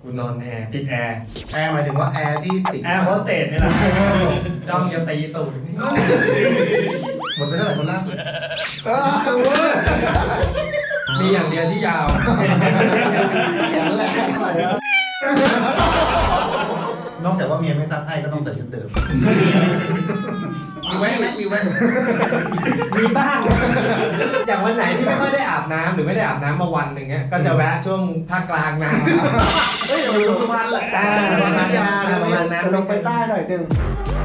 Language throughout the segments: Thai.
กูนอนแอร์ติดแอร์แอร์หมายถึงว่าแอร์ที่ติดแอร์โฮสเตสนี่แหละจ้องจะตีตูดหมดไปเท่าไหร่คนล่าสุดมีอย่างเดียวที่ยาวแขนแหลกใส่แล้วนอกจากว่าเมียไม่ซักให้ก็ต้องใส่ชุดเดิมมีไว้ไหมมีไว้มีบ้าง อย่างวันไหนที่ไม่ค่อยได้อาบน้ำหรือไม่ได้อาบน้ำมาวันหนึ่งเงี้ยก็จะแวะช่วงภาคกลางน้ำเฮ้ยเราอยู่สุพรรณแหละประมาณนั้นจะลงไปใต้หน่อยหนึง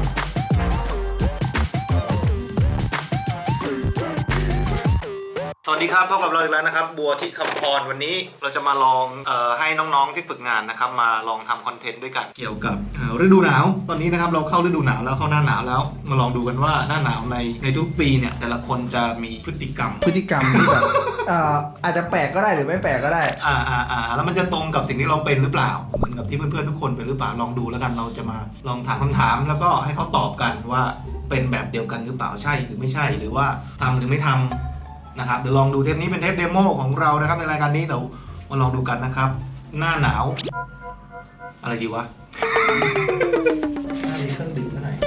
สวัสดีครับพบกับเราอีกแล้วนะครับบัวที่คำพรวันนี้เราจะมาลองให้น้องๆที่ฝึกงานนะครับมาลองทำคอนเทนต์ด้วยกันเกี่ยวกับฤดูหนาวตอนนี้นะครับเราเข้าฤดูหนาวแล้วเข้าหน้าหนาวแล้วมาลองดูกันว่าหน้าหนาวในทุกปีเนี่ยแต่ละคนจะมีพฤติกรรมที่แบบอาจจะแปลกก็ได้หรือไม่แปลกก็ได้แล้วมันจะตรงกับสิ่งที่เราเป็นหรือเปล่าเหมือนกับที่เพื่อนๆทุกคนเป็นหรือเปล่าลองดูแล้วกันเราจะมาลองถามคำถามแล้วก็ให้เขาตอบกันว่าเป็นแบบเดียวกันหรือเปล่าใช่หรือไม่ใช่หรือว่าทำหรือไม่ทำนะครับเดี๋ยวลองดูเทปนี้เป็นเทปเดโมของเรานะครับในรายการนี้เดี๋ยวมาลองดูกันนะครับ หน้าหนาวอะไรดีวะหน้ามีเครื่องดื่มเท่าไหร่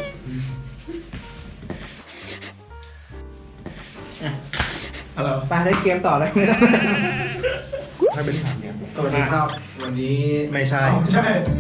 อะไรไปได้เกมต่อเลยถ้าเป็นถามเนี่ยสวัสดีครับวันนี้ไม่ใช่ใช่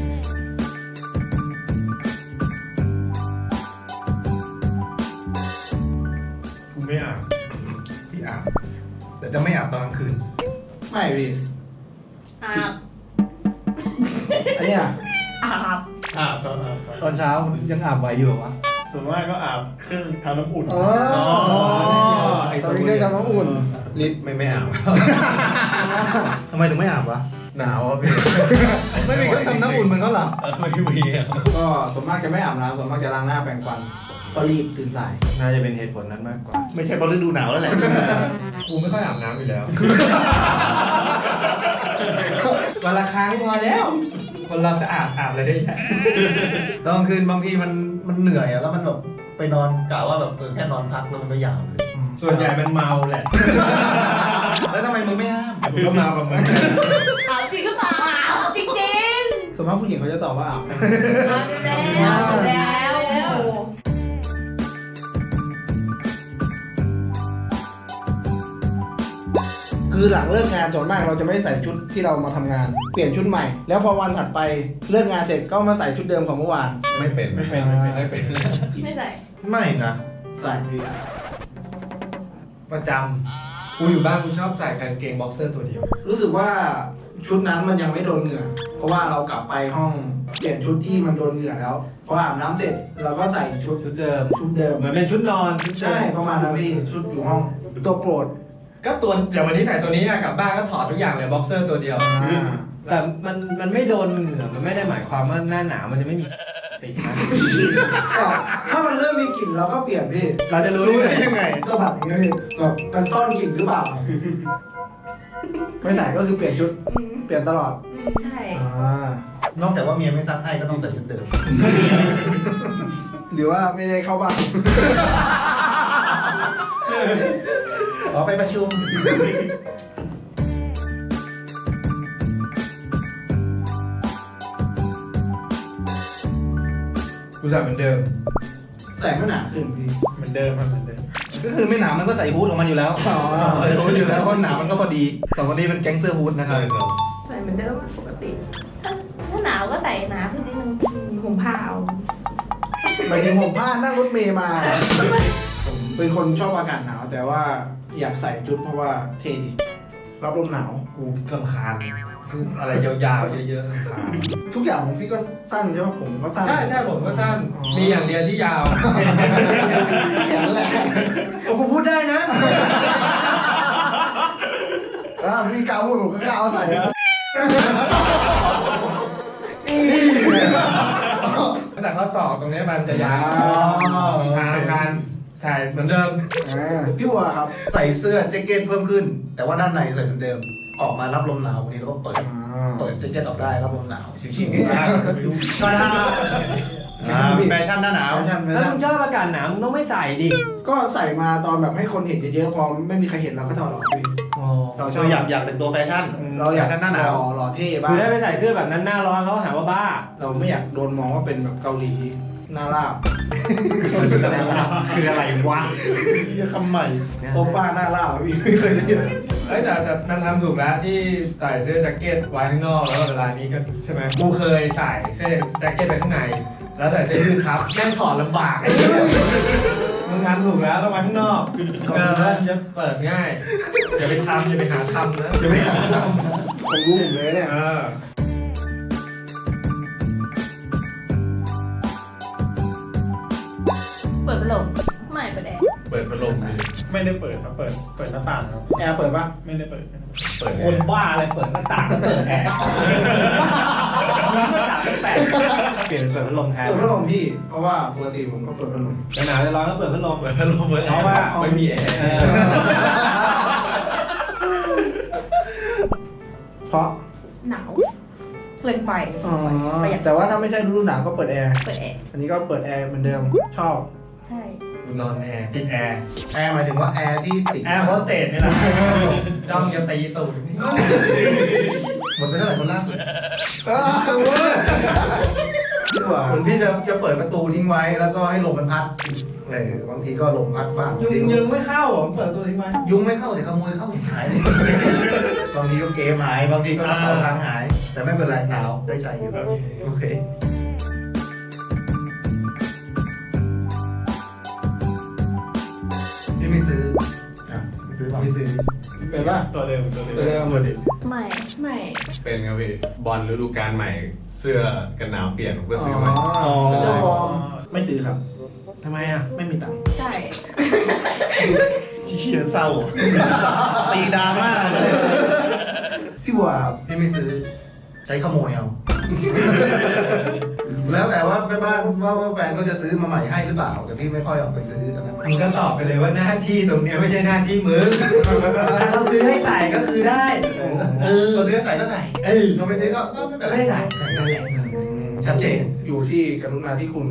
กูไม่อาบพี่อาบแต่จะไม่อาบตอนกลางคืนไม่พี่อาบอันเนี้ยอาบอาบครับตอนเช้ายังอาบไหวอยู่เหรอวะส่วนมากก็อาบเครื่องทำน้ำอุ่นตอนนี้เครื่องทำน้ำอุ่นลิศไม่อาบ ทำไมถึงไม่อาบวะหนาวอ่ะพี่ไม่มีเครื่องทำน้ำอุ่นเหมือนเขาเหรอไม่มีอ่ะก็ส่วนมากจะไม่อาบน้ำส่วนมากจะล้างหน้าแปรงฟันก็รีบตื่นสายน่าจะเป็นเหตุผลนั้นมากกว่าไม่ใช่เพราะฤดูหนาวแล้วแหละกูไม่ค่อยอาบน้ำอยู่แล้ว วันละครั้งพอแล้ว คนเราสะอาดอาบเลยได้ยังตอนกลางคืนบางทีมันเหนื่อยอะแล้วมันแบบไปนอนกะว่าแบบแค่นอนพักแล้วมันก็ยาวเลยส่วนใหญ่มันเมาแหละแล้วทำไมมึงไม่ห้ามกูก็เมากับมึงอาบจริงหรือเปล่าอาบจริงจริงส่วนมากผู้หญิงเขาจะตอบว่าอาบอาบอยู่แล้วคือหลังเลิกงานส่วนมากเราจะไม่ใส่ชุดที่เรามาทำงาน เปลี่ยนชุดใหม่ แล้วพอวันถัดไปเลิกงานเสร็จก็มาใส่ชุดเดิมของเมื่อวานไม่เป็นไม่เป็นไม่ใส่ไม่นะใส่พี่ประจำกูอยู่บ้านกูชอบใส่กางเกงบ็อกเซอร์ตัวเดียวรู้สึกว่าชุดนั้นมันยังไม่โดนเหงื่อ เพราะว่าเรากลับไปห้องเปลี่ยนชุดที่มันโดนเหงื่อแล้วพออาบน้ำเสร็จเราก็ใส่ชุดเดิมเหมือนเป็นชุดนอนชุดใช่ประมาณนั้นพี่ชุดอยู่ห้องตัวโปรดก็ตัวอย่างวันนี้ใส่ตัวนี้อะกลับบ้านก็ถอดทุกอย่างเลยบ็อกเซอร์ตัวเดียวแต่มันไม่โดนเหงื่อมันไม่ได้หมายความว่าหน้าหนาวมันจะไม่มีติดนะถ้ามันเริ่มมีกลิ่นเราก็เปลี่ยนพี่เราจะรู้ได้ยังไงสะบัดอย่างเงี้ยพี่แบบมันซ่อนกลิ่นหรือเปล่า ไม่ใส่ก็คือเปลี่ยนชุดเปลี่ยนตลอดใช่นอกจากว่าเมียไม่ซักให้ก็ต้องใส่ชุดเดิมหรือว่าไม่ได้เข้าบ้านอ๋อไปประชุมกูใส่เหมือนเดิมใส่ไม่หนาขึ้นพี่เหมือนเดิมครับเหมือนเดิมก็คือไม่หนาวมันก็ใส่ฮู้ดของมันอยู่แล้วอ๋อใส่ฮู้ดอยู่แล้วเพราะหนาวมันก็พอดีสองคนนี้เป็นแก๊งเสื้อฮู้ดนะครับใส่เหมือนเดิมปกติ ถ้าหนาวก็ใส่หนาขึ้นนิดนึงมีห่มผ้าเอาหมายถึงผมผ้านั่งรถเมย์มา ผมเป็นคนชอบอากาศหนาว แต่ว่าอยากใส่ชุดเพราะว่าเท่ดีรับลมหนาวกูรำคาญคืออะไรยาวๆเยอะๆรำคาญทุกอย่างของพี่ก็สั้นใช่ไหมผมก็สั้นใช่ผมก็สั้น มีอย่างเดียวที่ยาวแขนแหลกกูพูดได้นะแล้วพี่กาวพูดผมก็กาวใส่แล้วตั้งแต่ข้อศอกตรงนี้มันจะยาวทางการใส่เหมือนเดิมพี่บัวครับใส่เสื้อแจ็คเก็ตเพิ่มขึ้น แต่ว่าด้านในใส่เหมือนเดิม ออกมารับลมหนาววันนี้เราก็เปิดแจ็คเก็ตออกได้รับลมหนาวชิวๆก็ได้แฟชั่นหน้าหนาวถ้ามึงชอบอากาศหนาวมึงต้องไม่ใส่ดิก็ใส่มาตอนแบบให้คนเห็นเยอะๆพอไม่มีใครเห็นเราก็ถอดออกพี่อ๋ออ๋อเราชเราอบอยากเป็นตัวแฟชั่นเราอยากแฟชั่นหน้าหนาวหล่อเท่บ้าคือง ถ้าไปใส่เสื้อแบบนั้นหน้าร้อนเขาหาว่าบ้าเราไม่อยากโดนมองว่าเป็นแบบเกาหลีหน้าราบคืออะไรวะที่คำใหม่โอป้าหน้าราบพี่ไม่เคยได้ยินเอ้ยแต่มันทำถูกแล้วที่ใส่เสื้อแจ็คเก็ตไว้ข้างนอกแล้วก็เวลานี้ก็ใช่ไหมกูเคยใส่เสื้อแจ็คเก็ตไปข้างในแล้วใส่เสื้อยืดครับแม่งถอดลำบากไอ้เหี้ยมึงทำถูกแล้วต้องมาข้างนอกแล้วจะเปิดง่ายอย่าไปทำอย่าไปหาทำนะจะไม่หาทำผมรู้ผมเลยเนี่ยเออเปิดพัดลมไม่เปิดแอร์เปิดพัดลมดิไม่ได้เปิดครับ เปิดหน้าต่างครับแอร์เปิดปะไม่ได้เปิดเปิดคนบ้าอะไรเปิดหน้าต่างก็เปิดแอร์หน้าต่างไม่แปลกเปลี่ยนเป็นเปิดพัดลมแทนเปิดพัดลมพี่ เพราะว่าปกติผมก็เปิดพัดลมจะหนาวจะร้อนก็เปิดพัดลมเปิดพัดลมเพราะว่าไม่มีแอร์เพราะหนาวเกินไปอ๋อประหยัดแต่ว่าถ้าไม่ใช่ฤดูหนาวก็เปิดแอร์เปิดแอร์อันนี้ก็เปิดแอร์เหมือนเดิมชอบใช่กูนอนแอร์ติดแอร์แอร์หมายถึงว่าแอร์ที่ติดแอร์โฮสเตสนี่แหละจ้องจะตีตูดนี่หมดไปเท่าไหร่คนล่าสุดดีกว่าคนพี่จะเปิดประตูทิ้งไว้แล้วก็ให้ลมมันพัดบางทีก็ลมพัดบ้างยุงไม่เข้าเหรอเปิดตัวทิ้งไว้ยุงไม่เข้าแต่ขโมยเข้าหายเลยบางทีก็เกมหายบางทีก็กระเป๋าตังค์หาย แต่ไม่เป็นไรหนาวได้ใจอยู่โอเคพี่ไม่ซื้อไม่ซื้อหรอไม่ซื้อเป็นปะตัวเดิมตัวเดิมหมดดิไม่เป็นครับพี่บอลฤดูกาลใหม่เสื้อกันหนาวเปลี่ยนผมก็ซื้ออ๋มาอไม่ใช่วอร์มไม่ซื้อครับทำไมอ่ะไม่มีตังค์ใช่ชี้เศร้าตีดราม่าเลยพี่บัวครับพี่ไม่ซื้อใช้ขโมยเอา แล้วแต่ว่าแม่บ้านว่าแฟนเขาจะซื้อมาใหม่ให้หรือเปล่าแต่พี่ไม่ค่อยออกไปซื้อกันนะมึงก็ตอบไปเลยว่าหน้าที่ตรงเนี้ยไม่ใช่หน้าที่มึงถ้าเขาซื้อให้ใส่ก็คือได้เขาซื้อใส่ก็ใส่เอ้ยเขาไม่ซื้อก็ไม่เป็นไรไม่ใส่นั่นแหละชัดเจนอยู่ที่กรุณาที่คุณ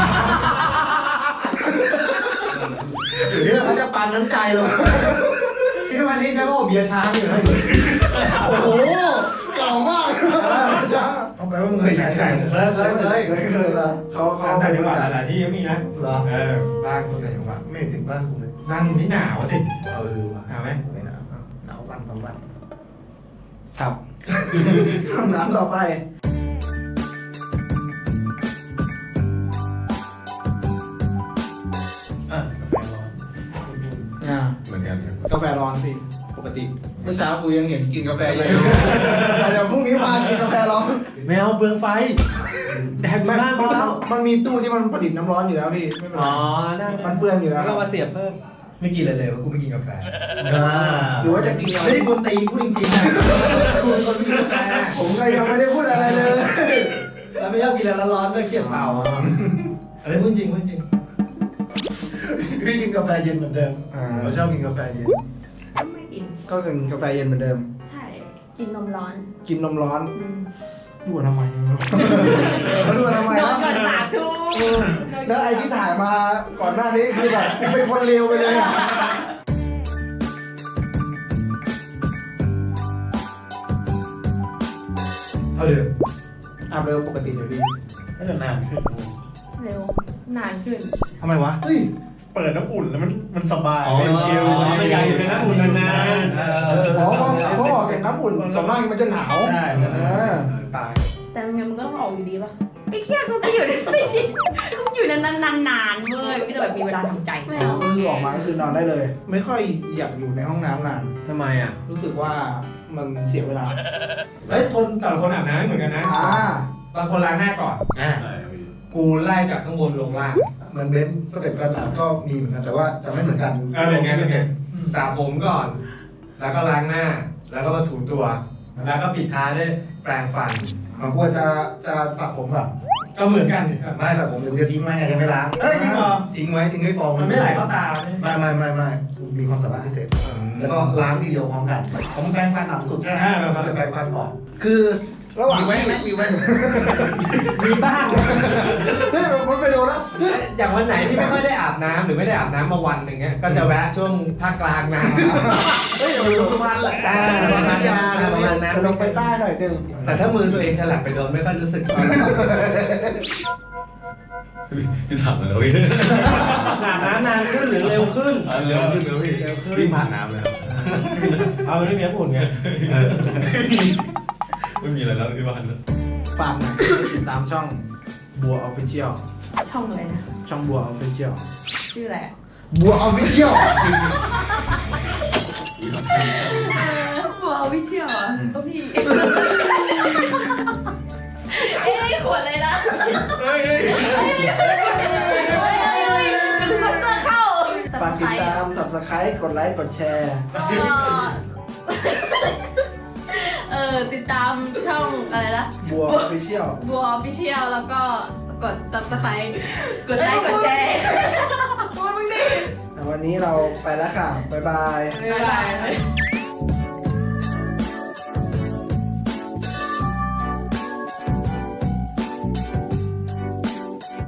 หรือเขาจะปันน้ำใจเราที่ทุกวันนี้ใช้ว่าผมเบียร์ช้างอยู่นะโอ้โหเก่ามากจ้าเอาไปว่ามึงเคยใช้ใครเคยละเขาแต่จังหวัดหลายๆที่ก็มีนะเหรอบ้านคนไหนจังหวัดไม่ถึงบ้านคุณเลยนั่งไม่หนาวดิว่ะหนาวไหมไม่หนาวหนาววันบางวันครับคำถามต่อไปกาแฟร้อนเหมือนกันครับกาแฟร้อนสิปกติเมื่อเช้ากูยังเห็นกินกาแฟเย็นเดี๋ยวพรุ่งนี้พากินกาแฟร้อนไม่เอาเปลืองไฟแดกบ้านพอแล้วมันมีตู้ที่มันผลิตน้ำร้อนอยู่แล้วพี่ไม่เป็นไรอ๋อได้มันเปลืองอยู่แล้วก็มาเสียบเพิ่มไม่กินอะไรเลยว่ากูไม่กินกาแฟหรือว่าจะกินอะไรไม่ได้กูตีพูดจริงๆนะกูเป็นคนไม่กินกาแฟผมก็ยังไม่ได้พูดอะไรเลยแล้วไม่ชอบกินอะไรร้อนๆด้วยเครียดเปล่าอะไรพูดจริงพูดจริงพี่กินกาแฟเย็นเหมือนเดิมเราชอบกินกาแฟเย็นไม่กินก็กินกาแฟเย็นเหมือนเดิมใช่ กินนมร้อนกินนมร้อนอืมดูทำไมดูทำไมนอนก่อน3 ทุ่มแล้วไอ้ที่ถ่ายมาก่อนหน้านี้คือแบบเป็นคนเลวไปเลยอะเท่าเดิมอาบเร็วปกติเดี๋ยวพี่ก็จะนานขึ้นเร็ว นานขึ้นทำไมวะเฮ้ยเปิดน้ำอุ่นแล้วมันสบายอ๋อมันชิลไม่อยากอยู่ในน้ำอุ่นนานเพราะออกจากน้ำอุ่นส่วนมากมันจะหนาวใช่ตายแต่ยังไงมันก็ต้องออกอยู่ดีป่ะไอ้เหี้ยเขาก็อยู่ไม่ดีเขาอยู่นานๆเว้ยมันก็จะแบบมีเวลาทำใจไม่เอาคือออกมาก็คือนอนได้เลย ไม่ค่อยอยากอยู่ในห้องน้ำนานทำไมอ่ะรู้สึกว่ามันเสียเวลาเฮ้ยคนแต่ละคนอาบน้ำเหมือนกันนะบางคนล้างหน้าก่อนอ่าใช่ครับพี่กูไล่จากข้างบนลงล่างเหมือนเบนซ์สเต็ปการอาบก็มีเหมือนกันแต่ว่าจะไม่เหมือนกันเหมือนกันเหมือนกันสระผมก่อน แล้วก็ล้างหน้า แล้วก็มาถูตัว แล้วก็ปิดท้ายด้วยแปรงฟันของกูจะสระผมก่อนก็เหมือนกันไม่สระผมเดี๋ยวจะทิ้งไว้ไงยังไม่ล้างเอ้ยจริงเหรอทิ้งไว้ทิ้งให้ฟองมันไม่ไหลเข้าตาไม่มีความสามารถพิเศษ แล้วก็ล้างทีเดียวพร้อมกันผมแปรงฟันหลังสุดแค่นั้นเราจะแปรงฟันก่อนคือระหว่างมีไว้ไหมมีไว้มีบ้างเฮ้ยมันไปโดนแล้วอย่างวันไหนที่ไม่ค่อยได้อาบน้ำหรือไม่ได้อาบน้ำมาวันหนึ่งเงี้ยก็จะแวะช่วงภาคกลางน้ำเฮ้ยเดี๋ยวไปดูสุพรรณแหละประมาณนั้นประมาณนั้นจะลงไปใต้หน่อยหนึงแต่ถ้ามือตัวเองฉลับไปโดนไม่ค่อยรู้สึกพี่ถามเลยนะพี่อาบน้ำนานขึ้นหรือเร็วขึ้นเร็วขึ้นนะพี่วิ่งผ่านน้ำเลยครับเอาไม่มีน้ำอุ่นไงไม่มีอะไรแล้วที่บ้านฝากหน่อยติดตามช่องบัวออฟฟิเชียลช่องอะไรนะช่องบัวออฟฟิเชียลชื่ออะไรอะบัวออฟฟิเชียลบัววิเชียวอ่ะก็พี่ เอ้ยขวดเลยนะเป็นพัสเซอร์เข้าฝากติดตาม subscribe กดไลค์กดแชร์ติดตามช่องอะไรนะบัวออฟฟิเชียลบัวออฟฟิเชียลแล้วก็กด subscribe กดไลค์กดแชร์พูดมึงดิวันนี้เราไปแล้วค่ะ บ๊ายบายบ๊ายบาย